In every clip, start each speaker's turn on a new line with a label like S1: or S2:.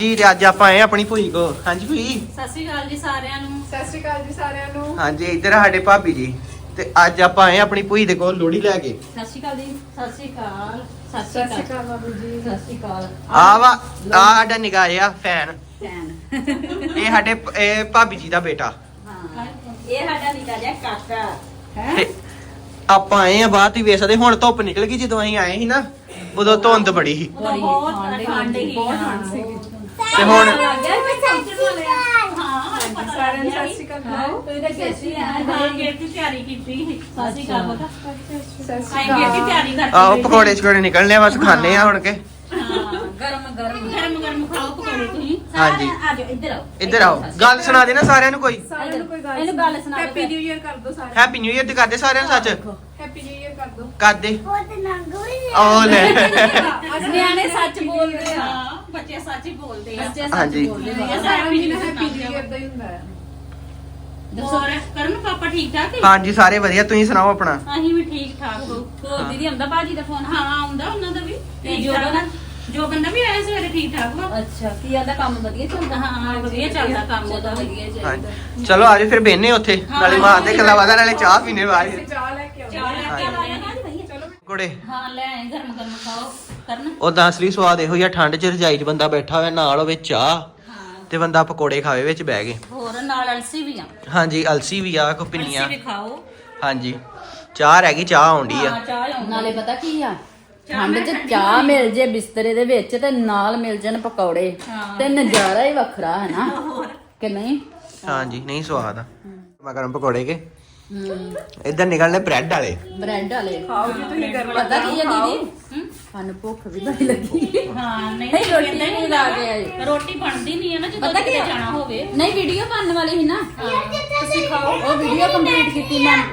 S1: ਜੀ ਤੇ ਅੱਜ ਆਪਾਂ ਆਏ ਆਪਣੀ ਭੂਈ ਕੋ। ਹਾਂਜੀ ਭੂਈ,
S2: ਸਤਿ ਸ਼੍ਰੀ ਅਕਾਲ ਜੀ ਸਾਰਿਆਂ ਨੂੰ।
S3: ਸਤਿ ਸ਼੍ਰੀ ਅਕਾਲ ਜੀ ਸਾਰਿਆਂ ਨੂੰ।
S1: ਹਾਂਜੀ ਇੱਧਰ ਸਾਡੇ ਭਾਬੀ ਜੀ ਤੇ ਅੱਜ ਆਪਾਂ ਆਏ ਆਪਣੀ ਭੂਈ ਦੇ ਕੋਲ ਲੋਹੜੀ ਲੈ ਕੇ।
S2: ਸਤਿ ਸ਼੍ਰੀ ਅਕਾਲ ਜੀ। ਸਤਿ ਸ਼੍ਰੀ ਅਕਾਲ। ਸਤਿ
S3: ਸਤਿ
S2: ਸ਼੍ਰੀ
S3: ਸ਼੍ਰੀ
S2: ਅਕਾਲ।
S3: ਅਕਾਲ ਬਾਬੂ ਜੀ।
S2: ਸਤਿ ਸ਼੍ਰੀ ਅਕਾਲ।
S1: ਆ ਸਾਡਾ ਨਿੱਕਾ ਜਿਹਾ ਫੈਨ,
S2: ਭੈਣ।
S1: ਇਹ ਸਾਡੇ ਇਹ ਭਾਬੀ ਜੀ ਦਾ ਬੇਟਾ।
S2: ਹਾਂ, ਇਹ ਸਾਡਾ ਨਿੱਕਾ ਜਿਹਾ ਕਾਕਾ ਹੈ।
S1: ਤੇ ਆਪਾਂ ਆਏ ਆ ਬਾਅਦ ਹੀ ਵੇਸਦੇ। ਹੁਣ ਧੁੱਪ ਨਿਕਲ ਗਈ, ਜਦੋਂ ਅਸੀਂ ਆਏ ਸੀ ਨਾ ਉਦੋਂ ਧੁੰਦ ਬੜੀ ਸੀ
S2: ਬਹੁਤ ਠੰਡ ਸੀ।
S3: ਬਹੁਤ ਠੰਡ ਸੀਗੀ।
S1: ਤੇ ਹੁਣ
S2: ਲੱਗ ਗਿਆ ਕਿ ਸੈਂਟਰ ਵਾਲੇ ਹਾਂ
S3: ਸਾਰਿਆਂ ਨੂੰ ਸਤਿ ਸ਼੍ਰੀ ਅਕਾਲ ਬੁਲਾਓ।
S2: ਤੁਸੀਂ ਤਾਂ ਗੇਸੀ ਆ ਹਾਂ ਗੇਟ ਦੀ ਤਿਆਰੀ ਕੀਤੀ ਸੀ। ਸਤਿ ਸ਼੍ਰੀ ਅਕਾਲ ਬਤਾ
S3: ਸਤਿ ਸ਼੍ਰੀ
S2: ਆਈ ਗੇਟ ਦੀ
S3: ਅਕਾਲ।
S2: ਤਿਆਰੀ ਕਰਤੀ
S1: ਆਓ ਪਕੌੜੇ ਛਕੌੜੇ ਨਿਕਲਨੇ ਆ, ਬਸ ਖਾਣੇ ਆ ਹੁਣ ਕੇ।
S2: ਹਾਂ ਗਰਮ ਖਾਓ ਪਕੌੜੇ ਤੁਸੀਂ।
S1: ਹਾਂਜੀ।
S2: ਆ ਜਾਓ ਇੱਧਰ ਆਓ।
S1: ਇੱਧਰ ਆਓ, ਗੱਲ ਸੁਣਾ ਦੇ ਨਾ ਸਾਰਿਆਂ ਨੂੰ ਕੋਈ।
S3: ਸਾਰਿਆਂ ਨੂੰ ਕੋਈ
S2: ਇਹਨੂੰ ਗੱਲ ਸੁਣਾ ਦਿਓ।
S3: ਹੈਪੀ ਨਿਊ ਇਅਰ ਕਰ ਦਿਓ ਸਾਰੇ।
S1: ਹੈਪੀ ਨਿਊ ਇਅਰ ਤੇ ਕਰਦੇ ਸਾਰਿਆਂ ਨੂੰ ਸੱਚ
S3: ਹੈਪੀ ਨਿਊ ਇਅਰ ਕਰ ਦਿਓ।
S1: ਕਰਦੇ ਉਹ ਲੈ
S2: ਨਿਆਣੇ ਸੱਚ ਬੋਲਦੇ ਆ। ਬੱਚੇ ਸੱਚ ਹੀ ਬੋਲਦੇ ਆ। ਬੱਚੇ
S1: ਹਾਂਜੀ।
S3: ਹੈਪੀ ਨਿਊ ਇਅਰ ਦਾ ਹੀ ਹੁੰਦਾ ਹੈ।
S2: ਦੱਸੋ ਕਰਨ ਪਾਪਾ ਠੀਕ ਠਾਕ ਹੈ?
S1: ਹਾਂਜੀ ਸਾਰੇ ਵਧੀਆ, ਤੁਸੀਂ ਸੁਣਾਓ ਆਪਣਾ।
S2: ਅਸੀਂ ਵੀ ਠੀਕ ਠਾਕ ਹੋ। ਹੋਰ ਦੀਦੀ ਆਉਂਦਾ ਬਾਜੀ ਦਾ ਫੋਨ? ਹਾਂ ਆਉਂਦਾ, ਉਹਨਾਂ ਦਾ ਵੀ ਜੋ ਬੰਦਾ ਵੀ ਆਇਆ ਸਵੇਰੇ ਠੀਕ ਠਾਕ ਵਾ।
S4: ਅੱਛਾ, ਕੀ ਆਂਦਾ ਕੰਮ ਵਧੀਆ ਚੱਲਦਾ?
S2: ਹਾਂ ਵਧੀਆ ਚੱਲਦਾ ਕੰਮ ਉਹਦਾ ਵੀ।
S4: ਵਧੀਆ ਚਾਹੀਦਾ।
S1: ਹਾਂਜੀ ਚਲੋ ਆਜੋ ਫਿਰ ਬਹਿਨੇ ਉੱਥੇ, ਨਾਲੇ ਮਾਰਦੇ ਗੱਲਾਂ ਬਾਤਾਂ, ਨਾਲੇ ਚਾਹ ਪੀਣੇ ਬਾਅਦ
S3: ਅਸੀਂ ਚਾਹ ਲੈ ਕੇ ਆਉਂਦੇ
S2: ਚਾਹ ਲੈ ਕੇ ਆਉਂਦੇ ਆ।
S3: ਚਲੋ
S1: ਕੋੜੇ।
S2: ਹਾਂ ਲੈ ਆਏ, ਗਰਮ ਗਰਮ ਖਾਓ ਕਰਨ।
S1: ਉਦਾਂ ਅਸਲੀ ਸਵਾਦ ਇਹੋ ਜਿਹਾ, ਠੰਡ 'ਚ ਰਜਾਈ 'ਚ ਬੰਦਾ ਬੈਠਾ ਹੋਵੇ, ਨਾਲ ਹੋਵੇ ਚਾਹ
S2: ਹਾਂ
S1: ਤੇ ਬੰਦਾ ਪਕੌੜੇ ਖਾਵੇ ਵਿੱਚ ਬਹਿ ਕੇ।
S2: ਹੋਰ ਨਾਲ ਅਲਸੀ ਵੀ ਆ।
S1: ਹਾਂਜੀ ਅਲਸੀ ਵੀ ਆ, ਕੋ ਪਿੰਨੀਆਂ।
S2: ਅਲਸੀ ਵੀ ਖਾਓ।
S1: ਹਾਂਜੀ ਚਾਹ ਰਹਿ ਗਈ, ਚਾਹ ਆਉਂਦੀ ਆ।
S2: ਹਾਂ ਚਾਹ ਆਉਂਦੀ।
S4: ਨਾਲੇ ਪਤਾ ਕੀ ਆ, ਠੰਡ 'ਚ ਚਾਹ ਮਿਲ ਜੇ ਬਿਸਤਰੇ ਦੇ ਵਿੱਚ ਤੇ ਨਾਲ ਮਿਲ ਜਾਣ ਪਕੌੜੇ ਤੇ ਨਜ਼ਾਰਾ ਹੀ ਵੱਖਰਾ ਹੈ ਨਾ ਕਿ ਨਹੀਂ?
S1: ਹਾਂਜੀ ਨਹੀਂ ਸਵਾਦ ਆ। ਮੈਂ ਗਰਮ ਪਕੌੜੇ ਕੇ ਇੱਧਰ ਨਿਕਲਨੇ ਬ੍ਰੈਡ ਵਾਲੇ।
S4: ਬ੍ਰੈਡ ਵਾਲੇ
S3: ਖਾਓ ਜੀ ਤੁਸੀਂ ਗਰਮ
S4: ਪਤਾ ਕੀ ਆ ਦੀਦੀ, ਸਾਨੂੰ ਭੁੱਖ ਵੀ ਬੜੀ ਲੱਗੀ।
S2: ਹਾਂ ਨਹੀਂ
S4: ਨਹੀਂ, ਰੋਟੀ ਨਹੀਂ ਲਾ ਕੇ ਆਏ।
S2: ਰੋਟੀ ਬਣਦੀ ਨਹੀਂ ਹੈ ਨਾ ਜਦੋਂ
S4: ਪਤਾ ਕੀ
S2: ਕਿਤੇ
S4: ਆ?
S2: ਜਾਣਾ ਹੋਵੇ।
S4: ਨਹੀਂ, ਵੀਡੀਓ ਬਣਨ ਵਾਲੀ ਸੀ ਨਾ, ਤੁਸੀਂ ਖਾਓ। ਉਹ ਵੀਡੀਓ ਕੰਪਲੀਟ ਕੀਤੀ ਮੈਂ।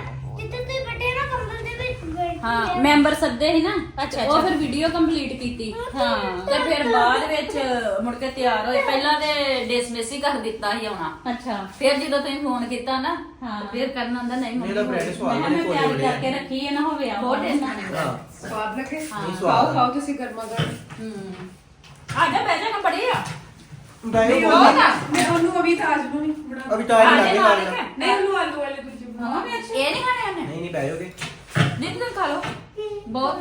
S4: ਹਾਂ ਮੈਂਬਰ ਸੱਦੇ ਸੀ ਨਾ,
S2: ਅੱਛਾ,
S4: ਉਹ ਫਿਰ ਵੀਡੀਓ ਕੰਪਲੀਟ ਕੀਤੀ।
S2: ਹਾਂ
S4: ਤੇ ਫਿਰ ਬਾਅਦ ਵਿੱਚ ਮੁੜ ਕੇ ਤਿਆਰ ਹੋਏ। ਪਹਿਲਾਂ ਤੇ ਡਿਸਮਿਸ ਹੀ ਕਰ ਦਿੱਤਾ ਸੀ ਆਉਣਾ।
S2: ਅੱਛਾ
S4: ਫਿਰ ਜਦੋਂ ਤੁਸੀਂ ਫੋਨ ਕੀਤਾ ਨਾ,
S2: ਹਾਂ।
S4: ਫਿਰ ਕਰਨਾ ਹੁੰਦਾ ਨਹੀਂ ਮੰਮੀ
S1: ਬ੍ਰੈਡ ਸਵਾਦ
S2: ਮੈਂ ਤਿਆਰੀ ਕਰਕੇ ਰੱਖੀ ਹੈ ਨਾ ਹੋਵੇ ਆ
S4: ਬਹੁਤ ਟੇਸਟ ਆਉਂਦਾ।
S1: ਹਾਂ
S3: ਸਵਾਦ ਲੱਗੇ।
S1: ਸਵਾਦ
S3: ਖਾਓ ਖਾਓ ਤੁਸੀਂ ਗਰਮਾ ਗਰਮ।
S4: ਆ ਜਾ ਬਹਿ ਜਾ ਨਾ ਬੜੀ ਆ।
S3: ਨਹੀਂ ਉਹ ਨਾ ਮੈਂ ਉਹਨੂੰ ਅਭੀ ਤਾਜ ਨੂੰ ਨਹੀਂ ਬਣਾ।
S1: ਅਭੀ ਟਾਈਮ ਲੱਗੇ ਨਾਲ
S3: ਨਹੀਂ ਉਹਨੂੰ ਆਲੂ ਵਾਲੇ ਦੂਜੇ ਬਣਾ।
S4: ਇਹ ਨਹੀਂ ਖਾਣੇ ਉਹਨੇ?
S1: ਨਹੀਂ ਬੈਠੋਗੇ।
S4: ਨਹੀਂ ਤੁਸੀਂ ਖਾ ਲਓ, ਬਹੁਤ ਆ।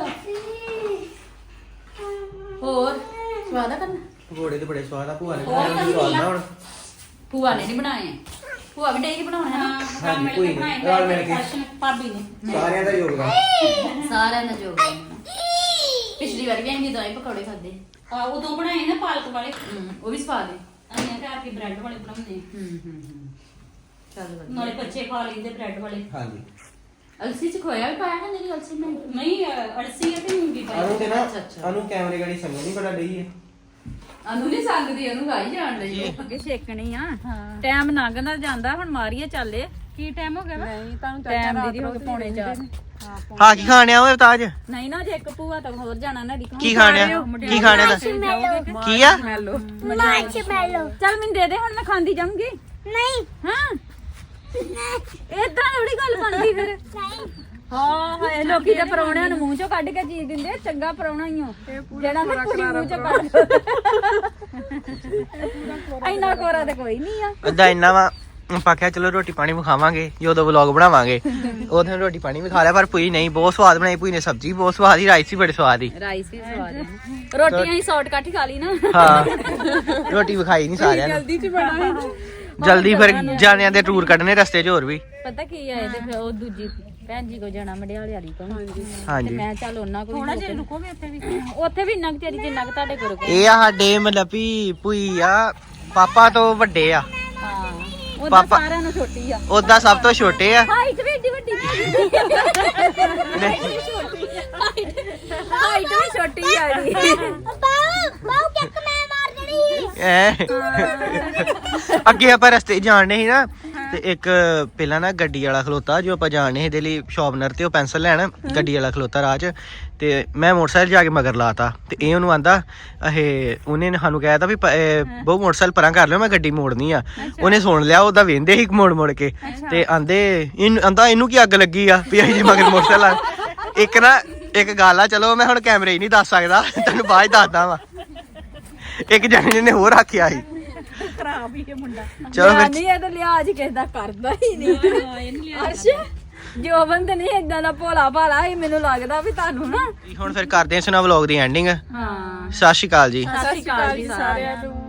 S4: ਹੋਰ ਸਵਾਦ ਆ ਕਰਨਾ?
S1: ਪਕੌੜੇ ਤੇ ਬੜੇ ਸਵਾਦ ਆ, ਭੂਆ ਨੇ
S4: ਹੋਰ
S1: ਬਣਾਏ ਸਵਾਦ ਨਾ ਹੁਣ।
S4: ਭੂਆ ਨੇ ਨਹੀਂ ਬਣਾਏ, ਭੂਆ ਵੀ ਡੇਰੀ ਬਣਾਉਣਾ ਹੈ।
S1: ਹਾਂਜੀ, ਕੋਈ ਨੀ, ਰਲ ਮਿਲ ਕੇ।
S2: ਭਾਬੀ ਨੇ
S1: ਸਾਰਿਆਂ ਦਾ ਯੋਗਦਾਨ।
S4: ਸਾਰਿਆਂ ਨੇ ਜੋ ਪਿਛਲੀ ਵਾਰ ਵੀ ਅਸੀਂ ਦੋਵੇਂ ਪਕੌੜੇ ਖਾਦੇ।
S2: ਉਦੋਂ ਬਣਾਏ ਨਾ ਪਾਲਕ ਵਾਲੇ।
S4: ਉਹ ਵੀ ਸਵਾਦ ਹੈ।
S2: ਅਸੀਂ ਤਾਂ ਆਪੀ ਬ੍ਰੈਡ ਵਾਲੇ ਬਣਾਉਂਦੇ
S4: ਚੱਲ ਵਧੀਆ।
S2: ਨਾਲੇ ਬੱਚੇ ਖਾ ਲੈਂਦੇ ਬ੍ਰੈਡ ਵਾਲੇ।
S1: ਹਾਂਜੀ
S4: ਅਲਸੀ ਚ ਖੋਇਆ ਵੀ ਪਾਇਆ ਨਾ? ਮੇਰੀ ਅਲਸੀ ਨਹੀਂ।
S2: ਨਹੀਂ ਅਲਸੀ ਅਤੇ ਮੂੰਗੀ ਪਾਈ।
S1: ਅਨੂ ਤੇ ਨਾ
S4: ਅੱਛਾ, ਅੱਛਾ।
S1: ਅਨੂ ਕੈਮਰੇ ਗਾੜੀ ਸੰਗ ਨਹੀਂ ਬੜਾ ਡਈ ਹੈ।
S4: ਅਨੂ ਨਹੀਂ ਸੰਗਦੀ, ਉਹਨੂੰ ਗਾਈ ਜਾਣ ਲਈ। ਅੱਗੇ ਛੇਕਣੀ ਆ, ਟਾਈਮ ਲੰਘਦਾ ਜਾਂਦਾ। ਹੁਣ ਮਾਰੀਏ ਚੱਲੇ।
S2: ਕੀ ਟਾਈਮ ਹੋ ਗਿਆ ਵਾ?
S3: ਨਹੀਂ ਤੁਹਾਨੂੰ
S4: ਟਾਈਮ ਦੀਦੀ ਹੋ ਗਏ ਪੌਣੇ 4।
S1: ਹਾਂ ਕੀ ਖਾਣਿਆ ਓਏ ਤਾਜ?
S4: ਨਹੀਂ ਨਾ, ਜੇ ਇੱਕ ਭੂਆ ਤਾਂ ਹੋਰ ਜਾਣਾ ਨਾ।
S1: ਕੀ ਖਾਣਿਆ? ਕੀ ਖਾਣਿਆ ਦਾ ਕੀ ਆ?
S3: ਮੈਲੋ
S4: ਚੱਲ ਮੈਨੂੰ ਦੇ ਦੇ, ਹੁਣ ਮੈਂ ਖਾਂਦੀ ਜਾਊਂਗੀ। ਨਹੀਂ ਹਾਂ ਏਦਾਂ ਥੋੜੀ ਗੱਲ ਬਣਦੀ ਫਿਰ। ਹਾਂ ਹਾਏ, ਲੋਕੀ ਤਾਂ ਪਰੌਣਿਆਂ ਨੂੰ ਮੂੰਹ ਚੋਂ ਕੱਢ ਕੇ ਚੀਜ਼ ਦਿੰਦੇ ਆ। ਚੰਗਾ ਪਰੌਣਾ ਹੀ ਹੋ ਜਿਹੜਾ ਨਾ ਪੂਰੀ ਮੂੰਹ ਚੋਂ ਕੱਢ। ਇੰਨਾ ਕੋਰਾ ਤੇ ਕੋਈ ਨਹੀਂ ਆ।
S1: ਏਦਾਂ ਇੰਨਾ ਵਾ ਆਪਾਂ ਕਿਹਾ ਚਲੋ ਰੋਟੀ ਪਾਣੀ ਵੀ ਖਾਵਾਂਗੇ, ਜਦੋਂ ਵਲੌਗ ਬਣਾਵਾਂਗੇ ਉਦੋਂ ਰੋਟੀ ਪਾਣੀ ਵੀ ਖਾ ਲਿਆ। ਪਰ ਭੂਈ ਨਹੀਂ, ਬਹੁਤ ਸਵਾਦ ਬਣਾਈ ਭੂਈ ਨੇ। ਸਬਜ਼ੀ ਬਹੁਤ ਸਵਾਦ ਸੀ, ਰਾਈਸ ਵੀ ਬੜੇ ਸਵਾਦ ਸੀ।
S4: ਰਾਈਸ ਵੀ ਸਵਾਦ ਹੈ। ਰੋਟੀਆਂ ਹੀ ਸ਼ਾਰਟਕਟ ਹੀ ਖਾ ਲਈ ਨਾ।
S1: ਹਾਂ ਰੋਟੀ ਵਿਖਾਈ ਨਹੀਂ ਸਾਰਿਆਂ ਨੂੰ।
S3: ਜਲਦੀ ਚ ਬਣਾ।
S1: ਜਲਦੀ ਫਿਰ ਜਾਣਿਆਂ ਦੇ ਟੂਰ ਕੱਢਣੇ ਰਸਤੇ 'ਚ ਹੋਰ ਵੀ।
S4: ਪਤਾ ਕੀ ਆ, ਇਹਦੇ ਫਿਰ ਉਹ ਦੂਜੀ ਭੈਣ ਜੀ ਕੋ ਜਾਣਾ ਮੜਿਆਲੇ ਵਾਲੀ ਕੋਲ। ਤੇ
S1: ਹਾਂਜੀ
S4: ਮੈਂ ਚੱਲ ਉਹਨਾਂ ਕੋਲ
S2: ਥੋੜਾ ਜਿਹਾ ਲੁਕੋਗੇ ਉੱਥੇ ਵੀ।
S4: ਉੱਥੇ ਵੀ ਇੰਨਾ ਕੁ ਚਿਰ ਜਿੰਨਾ ਕੁ ਤੁਹਾਡੇ ਕੋਲ।
S1: ਇਹ ਆ ਸਾਡੇ ਮਤਲਬ ਵੀ ਭੂਈ ਆ ਪਾਪਾ ਤੋਂ ਵੱਡੇ ਆ।
S4: ਹਾਂ ਉਹਦਾ
S1: ਪਾਪਾ-
S4: ਸਾਰਿਆਂ ਨੂੰ ਛੋਟੀ ਆ।
S1: ਉਦਾਂ ਸਭ ਤੋਂ ਛੋਟੇ ਆ।
S4: ਹਾਈਟ ਵੀ ਏਡੀ ਵੱਡੀ ਹਾਈਟ ਵੀ ਛੋਟੀ ਆ ਜੀ।
S1: ਅੱਗੇ ਆਪਾਂ ਰਸਤੇ ਜਾਣਨੇ ਸੀ ਨਾ, ਤੇ ਇੱਕ ਪਹਿਲਾਂ ਨਾ ਗੱਡੀ ਵਾਲਾ ਖਲੋਤਾ, ਜੋ ਆਪਾਂ ਜਾਣਨੇ ਸੀ ਇਹਦੇ ਲਈ ਸ਼ਾਰਪਨਰ ਤੇ ਉਹ ਪੈਨਸਲ ਲੈਣ। ਗੱਡੀ ਵਾਲਾ ਖਲੋਤਾ ਰਾਹ 'ਚ, ਤੇ ਮੈਂ ਮੋਟਰਸਾਈਕਲ ਜਾ ਕੇ ਮਗਰ ਲਾਤਾ। ਤੇ ਇਹ ਉਹਨੂੰ ਆਂਦਾ, ਉਹਨੇ ਸਾਨੂੰ ਕਹਿ ਤਾ ਵੀ ਬਹੁਤ ਮੋਟਰਸਾਈਕਲ ਪਰਾਂ ਕਰ ਲਿਓ, ਮੈਂ ਗੱਡੀ ਮੋੜਨੀ ਆ। ਉਹਨੇ ਸੁਣ ਲਿਆ, ਉਹਦਾ ਵੇਂਦੇ ਸੀ ਮੋੜ ਮੋੜ ਕੇ। ਤੇ ਆਂਦੇ ਇਹਨੂੰ ਕੀ ਅੱਗ ਲੱਗੀ ਆ ਵੀ ਅਸੀਂ ਜੇ ਮਗਰ ਮੋਟਰਸਾਈਕਲ। ਇੱਕ ਗੱਲ ਆ, ਚਲੋ ਮੈਂ ਹੁਣ ਕੈਮਰੇ ਹੀ ਨਹੀਂ ਦੱਸ ਸਕਦਾ, ਤੈਨੂੰ ਬਾਅਦ 'ਚ ਦੱਸਦਾ ਵਾ। ਇੱਕ ਜਣੇ ਨੇ ਹੋਰ ਆਖਿਆ ਸੀ
S4: ਖਰਾਬ ਹੀ ਇਹ ਮੁੰਡਾ
S1: ਚਲੋ ਫਿਰ
S4: ਨਹੀਂ ਇਹ ਤਾਂ ਲਿਹਾਜ਼ ਕਿਸੇ ਦਾ ਕਰਦਾ ਹੀ ਨਹੀਂ ਅੱਛਾ ਜੋਬਨ ਤੇ ਨਹੀਂ ਇਦਾਂ ਦਾ ਭੋਲਾ ਭਾਲਾ ਹੀ ਮੈਨੂੰ ਲੱਗਦਾ ਵੀ ਤੁਹਾਨੂੰ ਨਾ
S1: ਹੁਣ ਫਿਰ ਕਰਦੇ ਹਾਂ ਇਸ ਨਾਲ ਵਲੌਗ ਦੀ ਐਂਡਿੰਗ
S4: ਹਾਂ
S1: ਸਤਿ ਸ਼੍ਰੀ ਅਕਾਲ ਜੀ
S4: ਸਤਿ ਸ਼੍ਰੀ ਅਕਾਲ ਜੀ ਸਾਰਿਆਂ ਨੂੰ